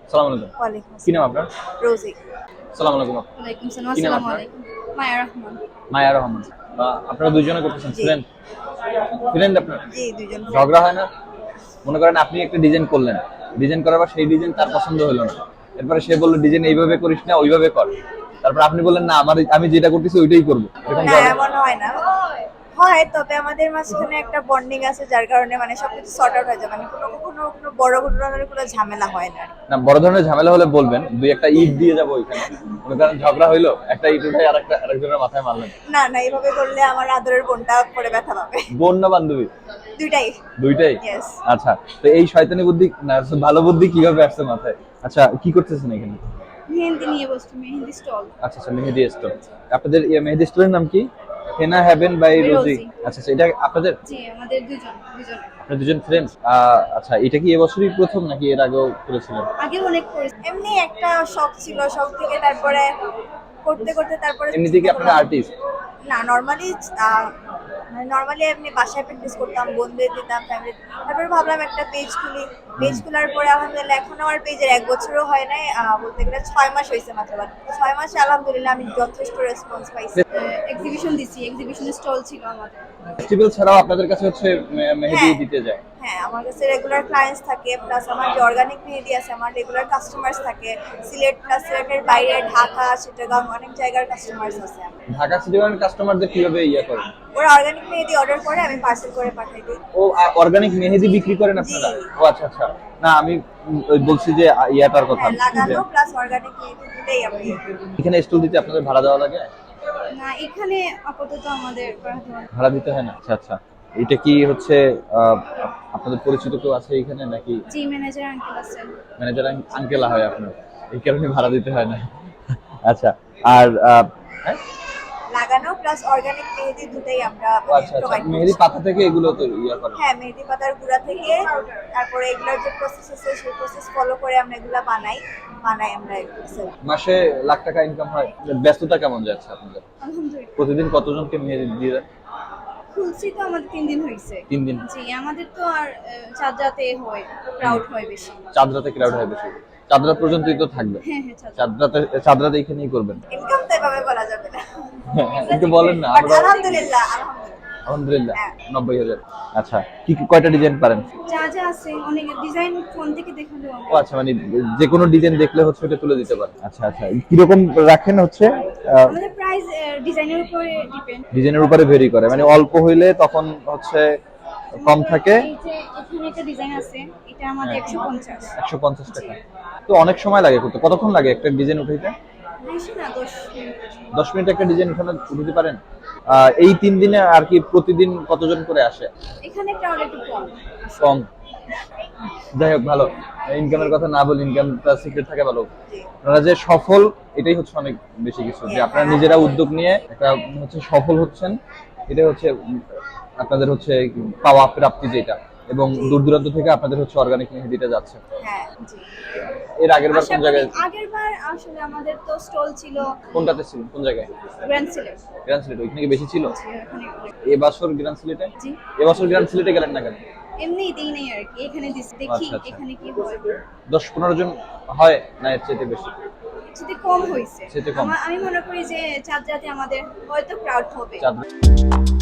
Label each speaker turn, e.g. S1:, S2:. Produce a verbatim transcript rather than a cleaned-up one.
S1: আসসালামু আলাইকুম।
S2: ওয়ালাইকুম
S1: কি নাম
S2: আসসালাম।
S1: আপনার?
S2: রোজি।
S1: আসসালামু আলাইকুম।
S2: ওয়ালাইকুম সালাম।
S1: কি নাম
S2: আসসালামু
S1: আপনার?
S2: আলাইকুম। মায়া রহমান।
S1: মায়া রহমান। আ আপনারা দুইজনে করতেছেন
S2: জি।
S1: ফ্রেন্ড? ফ্রেন্ড আপনার?
S2: জি, দুইজন ফ্রেন্ড।
S1: ঝগড়া হয় না? মনে করেন আপনি একটা ডিজাইন করলেন। ডিজাইন করার পর সেই ডিজাইন তার পছন্দ হলো না। এরপরে সে বলল ডিজাইন এইভাবে করিস না, ওইভাবে কর। তারপর আপনি বললেন না আমার আমি যেটা করতেছি ওইটাই করব। এরকম
S2: না,
S1: ঝগড়া
S2: এমন হয় না। হয়, তবে আমাদের মাঝখানে একটা বন্ডিং আছে যার কারণে মানে সবকিছু সর্ট আউট হয়ে যায়। মানে কোনো কখনো কোনো বড় ঘটনার কোনো ঝামেলা হয় না।
S1: না বড় ধরনের ঝামেলা হলে বলবেন। দুই একটা ইট দিয়ে যাবো ওইখানে। মনে করেন ঝগড়া হইলো, একটা ইট উঠাই আরেকটা আরেকজনের মাথায় মারলেন।
S2: না, না, এভাবে করলে আমার আদরের বোনটা পরে ব্যথা পাবে।
S1: বোন না বান্ধবী?
S2: দুইটাই।
S1: দুইটাই?
S2: ইয়েস।
S1: আচ্ছা। তো এই শয়তানি বুদ্ধি না ভালো বুদ্ধি কিভাবে আসছে মাথায়? আচ্ছা, কি করতেছেন এখানে?
S2: মেহেন্দি নিয়ে বসছি, মেহেন্দি স্টল।
S1: আচ্ছা, আচ্ছা মেহেদি স্টোর। আপনাদের ইয়ে মেহেদি স্টোরের নাম কি? Henna heaven by Rosie.
S2: Rosie.
S1: আচ্ছা, আচ্ছা এটা আপনাদের?
S2: জি, আমাদের দুইজন, দুইজন।
S1: আপনারা দুজন ফ্রেন্ডস? আ আচ্ছা, এটা কি এবছরই প্রথম নাকি এর আগেও করেছিলেন?
S2: আগে অনেক করেছি। এমনি একটা শখ ছিল, শখ থেকে তারপরে করতে করতে তারপরে
S1: এমনিতে কি আপনারা আর্টিস্ট?
S2: না, নরমালি মানে নরমালি এমনি বাসায় প্র্যাকটিস করতাম, বন্ধুদের দিতাম, ফ্যামিলি। তারপরে ভাবলাম একটা পেজ খুলি। পেজ খোলার পরে আলহামদুলিল্লাহ এখন আমার পেজের এক বছরও হয় নাই, আহ, বলতে গেলে ছয় মাস হয়েছে মাত্র। বাট ছয় মাসে আলহামদুলিল্লাহ আমি যথেষ্ট রেসপন্স পাইছি। এক্সিবিশন দিছি, এক্সিবিশন স্টল ছিল আমাদের।
S1: ফেস্টিভ্যাল ছাড়াও আপনাদের কাছে হচ্ছে মে- মেহেদি
S2: হ্যাঁ।
S1: দিতে যায়?
S2: হ্যাঁ, আমার কাছে রেগুলার ক্লায়েন্টস থাকে, প্লাস আমার যে অর্গানিক মেহেদি আছে আমার রেগুলার কাস্টমার্স থাকে। সিলেট প্লাস সিলেটের বাইরে ঢাকা, চিটাগাং অনেক জায়গার কাস্টমার্স আছে আমার।
S1: ঢাকা সিটি কর্পোরেশন কাস্টমারদের কিভাবে ইয়া করেন?
S2: ওরা অর্গানিক মেহেদি অর্ডার করে, আমি পার্সেল করে পাঠাই দিই।
S1: ও অর্গানিক মেহেদি বিক্রি করেন আপনারা?
S2: জি।
S1: ও আচ্ছা, আচ্ছা। না আমি উম, ওই বলছি যে আ, ইয়াটার কথা।
S2: হ্যাঁ,
S1: যে
S2: লাগানো প্লাস অর্গানিক মেহেদি দুটোই আমি।
S1: এখানে স্টল দিতে আপনাদের ভাড়া দেওয়া লাগে?
S2: না, এখানে আপাতত আমাদের
S1: ভাড়া দিতে হয় না? আচ্ছা, আচ্ছা। এটা কি হচ্ছে আহ, আপনাদের পরিচিত কেউ আছে এখানে নাকি?
S2: জি, ম্যানেজার আঙ্কেল আছেন।
S1: ম্যানেজার আঙ্কেল হয় আপনার, এই কারণে ভাড়া দিতে হয় না। আচ্ছা। আর আহ, হ্যাঁ?
S2: লাগানো প্লাস অর্গানিক মেহেদি দুটোই আমরা
S1: ও আচ্ছা, আচ্ছা মেহেদি পাতা থেকে এগুলো তো ইয়া করেন?
S2: হ্যাঁ, মেহেদি পাতার গুঁড়া থেকে তারপরে এগুলোর যে প্রসেস আছে সেই প্রসেস ফলো করে আমরা এগুলা বানাই বানাই আমরা এগুলো sell করি।
S1: মাসে লাখ টাকা ইনকাম হয়? ব্যস্ততা কেমন যাচ্ছে আপনাদের?
S2: আলহামদুলিল্লাহ।
S1: প্রতিদিন কতজনকে মেহেদি দিয়ে দেন?
S2: খুলছি তো আমাদের তিন দিন হয়েছে।
S1: তিন দিন?
S2: জি, আমাদের তো আর আহ, চাঁদ রাতে হয়, ক্রাউড হয় বেশি।
S1: চাঁদ রাতে ক্রাউড হয় বেশি? চাঁদ রাত পর্যন্তই তো থাকবে?
S2: হ্যাঁ, হ্যাঁ, চাঁদ
S1: চাঁদ রাতে চাঁদ রাতে এখানেই করবেন?
S2: ইনকাম তো এভাবে বলা যাবে না।
S1: একটু বলেন না।
S2: But
S1: আমরা
S2: আলহামদুলিল্লাহ, আলহামদুলিল্লাহ।
S1: আলহামদুলিল্লাহ
S2: হ্যাঁ।
S1: নব্বই হাজার। আচ্ছা, কি কি কয়টা ডিজাইন পারেন?
S2: যা যা আছে অনেক ডিজাইন ফোন থেকে দেখালেও
S1: ও আচ্ছা, মানে যে কোনো ডিজাইন দেখলে হচ্ছে ওটা তুলে দিতে পারেন? আচ্ছা, আচ্ছা। কিরকম রাখেন হচ্ছে?
S2: আমাদের প্রাইস ডিজাইনের উপরে ডিপেন্ড।
S1: ডিজাইনের উপরে ভেরি করে, মানে অল্প হইলে তখন হচ্ছে কম থাকে।
S2: এই যে এখানে একটা ডিজাইন আছে, এটা আমাদের একশো পঞ্চাশ।
S1: একশো পঞ্চাশ টাকা? তো অনেক সময় লাগে করতে। কতক্ষণ লাগে একটা ডিজাইন উঠাইতে?
S2: বেশি না, দশ মিনিট।
S1: দশ মিনিট একটা ডিজাইন উঠানো উঠাতে পারেন? আহ, এই তিন দিনে আর কি প্রতিদিন কতজন করে আসে?
S2: এখানে ক্রাউড একটু কম।
S1: কম? যাই হোক, ভালো। ইনকামের কথা না বলি, ইনকামটা সিক্রেট থাকে ভালো। আপনারা যে সফল, এটাই হচ্ছে অনেক বেশি কিছু, যে আপনারা নিজেরা উদ্যোগ নিয়ে একটা হচ্ছে সফল হচ্ছেন। এটাই হচ্ছে উম, আপনাদের হচ্ছে পাওয়া প্রাপ্তি যেটা, এবং দূর দূরান্ত থেকে আপনাদের হচ্ছে অর্গানিক মেহেদিটা যাচ্ছে।
S2: হ্যাঁ, জি।
S1: এর আগের বার কোন জায়গায়?
S2: আগেরবার আসলে আমাদের তো স্টল ছিল
S1: কোনটাতে ছিল? কোন জায়গায়?
S2: গ্র্যান্ড সিলেট।
S1: গ্র্যান্ড সিলেট? ওইখানে কি বেশি ছিল?
S2: ওখানে
S1: এবছর গ্র্যান্ড সিলেটে?
S2: জি।
S1: এবছর গ্র্যান্ড সিলেটে গেলেন না কেন?
S2: এমনি দিই নেই আর কি, এখানে দিছি, দেখি
S1: আচ্ছা, আচ্ছা।
S2: এখানে কি হয়।
S1: দশ পনেরো জন হয় না এর চাইতে বেশি?
S2: যদি কম হয়েছে।
S1: সেটা কম।
S2: আমা- আমি মনে করি যে চাঁদ রাতে আমাদের হয়তো ক্রাউড হবে।
S1: চাঁদ